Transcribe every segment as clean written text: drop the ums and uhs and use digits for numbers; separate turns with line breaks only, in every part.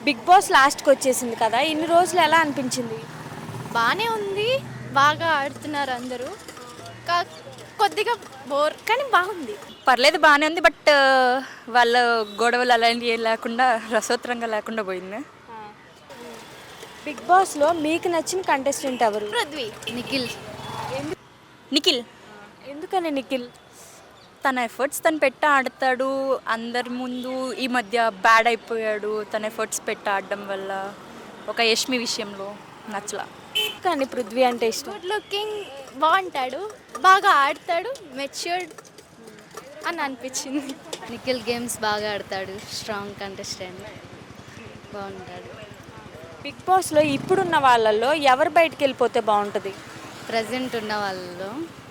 Big boss లాస్ట్కి వచ్చేసింది కదా, ఇన్ని రోజులు ఎలా అనిపించింది?
బాగానే ఉంది, బాగా ఆడుతున్నారు అందరూ. కా కొద్దిగా బోర్ కానీ బాగుంది.
పర్లేదు బాగానే ఉంది. బట్ వాళ్ళ గొడవలు అలాంటివి ఏం లేకుండా రసోత్తరంగా లేకుండా పోయింది.
బిగ్ బాస్లో మీకు నచ్చిన కంటెస్టెంట్ ఎవరు?
పృథ్వీ, నిఖిల్.
నిఖిల్
ఎందుకని నిఖిల్?
తన ఎఫర్ట్స్ తను పెట్టి ఆడతాడు. అందరి ముందు ఈ మధ్య బ్యాడ్ అయిపోయాడు తన ఎఫర్ట్స్ పెట్టి ఆడడం వల్ల. ఒక యష్మి విషయంలో నచ్చలా.
కానీ పృథ్వీ అంటే ఇష్టం.
గుడ్ లుకింగ్, బాగుంటాడు, బాగా ఆడతాడు, మెచ్యూర్డ్ అని అనిపించింది.
నిఖిల్ గేమ్స్ బాగా ఆడతాడు, స్ట్రాంగ్ కంటెస్టెంట్, బాగుంటాడు.
బిగ్ బాస్లో ఇప్పుడున్న వాళ్ళల్లో ఎవరు బయటికి వెళ్ళిపోతే బాగుంటుంది?
ప్రజెంట్ ఉన్న వాళ్ళలో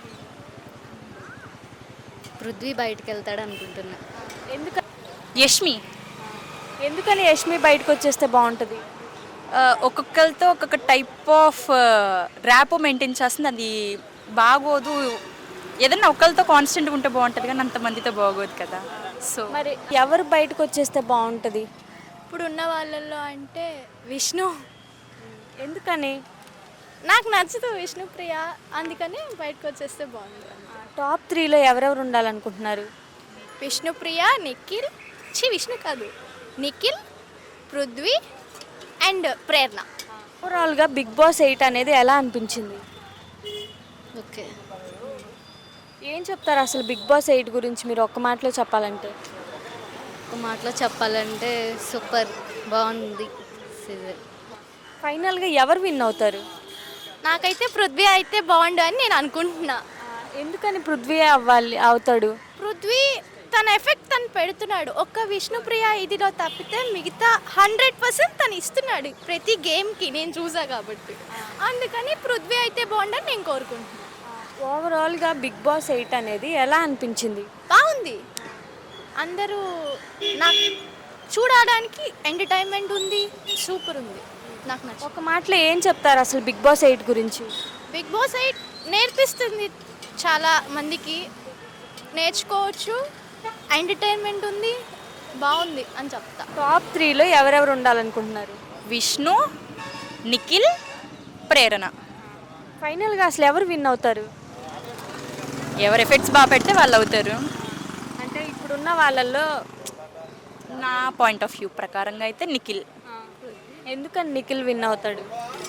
పృథ్వీ బయటకు వెళ్తాడు అనుకుంటున్నా.
యష్మి
ఎందుకని యష్మి బయటకు వచ్చేస్తే బాగుంటుంది?
ఒక్కొక్కరితో ఒక్కొక్క టైప్ ఆఫ్ ర్యాపో మెయింటైన్ చేస్తుంది. అది బాగోదు. ఏదన్నా ఒకరితో కాన్స్టెంట్గా ఉంటే బాగుంటుంది కానీ అంతమందితో బాగోదు కదా. సో
మరి ఎవరు బయటకు వచ్చేస్తే బాగుంటుంది?
ఇప్పుడు ఉన్న వాళ్ళల్లో అంటే విష్ణు.
ఎందుకని?
నాకు నచ్చదు విష్ణుప్రియ, అందుకని బయటకు వచ్చేస్తే బాగుంది.
టాప్ 3లో ఎవరెవరు ఉండాలనుకుంటున్నారు?
విష్ణుప్రియ, నిఖిల్, విష్ణు కాదు, నిఖిల్, పృథ్వీ అండ్ ప్రేరణ.
ఓవరాల్గా బిగ్ బాస్ 8 అనేది ఎలా అనిపించింది?
ఓకే,
ఏం చెప్తారు అసలు బిగ్ బాస్ 8 గురించి మీరు ఒక్క మాటలో చెప్పాలంటే?
ఒక మాటలో చెప్పాలంటే సూపర్, బాగుంది సీజన్.
ఫైనల్గా ఎవరు విన్ అవుతారు?
నాకైతే పృథ్వీ అయితే బాగుండు అని నేను అనుకుంటున్నా.
ఎందుకని పృథ్వీ అవుతాడు?
పృథ్వీ తన ఎఫెక్ట్ తను పెడుతున్నాడు. ఒక్క విష్ణుప్రియ ఇదిలో తప్పితే మిగతా 100% తను ఇస్తున్నాడు ప్రతి గేమ్కి, నేను చూసా కాబట్టి. అందుకని పృథ్వీ అయితే బాగుండని నేను కోరుకుంటున్నాను.
ఓవరాల్గా బిగ్ బాస్ 8 అనేది ఎలా అనిపించింది?
బాగుంది, అందరూ నాకు చూడడానికి ఎంటర్టైన్మెంట్ ఉంది, సూపర్ ఉంది, నాకు నచ్చింది.
ఒక మాటలో ఏం చెప్తారు అసలు బిగ్ బాస్ 8 గురించి?
బిగ్ బాస్ 8 నేర్పిస్తుంది, చాలా మందికి నేర్చుకోవచ్చు, ఎంటర్టైన్మెంట్ ఉంది, బాగుంది అని చెప్తా.
టాప్ 3లో ఎవరెవరు ఉండాలనుకుంటున్నారు?
విష్ణు, నిఖిల్, ప్రేరణ.
ఫైనల్గా అసలు ఎవరు విన్ అవుతారు?
ఎవరు ఎఫెక్ట్స్ బాగా పెడితే వాళ్ళు అవుతారు.
అంటే ఇప్పుడున్న వాళ్ళల్లో
నా పాయింట్ ఆఫ్ వ్యూ ప్రకారంగా అయితే నిఖిల్.
ఎందుకని నిఖిల్ విన్ అవుతాడు?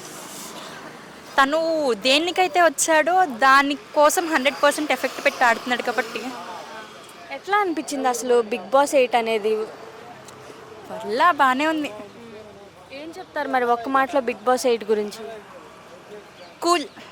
తను దేనికైతే వచ్చాడో దానికోసం 100% ఎఫెక్ట్ పెట్టి ఆడుతున్నాడు కాబట్టి.
ఎట్లా అనిపించింది అసలు బిగ్ బాస్ 8 అనేది?
వల్ల బాగానే ఉంది.
ఏం చెప్తారు మరి ఒక్క మాటలో బిగ్ బాస్ 8 గురించి?
కూల్.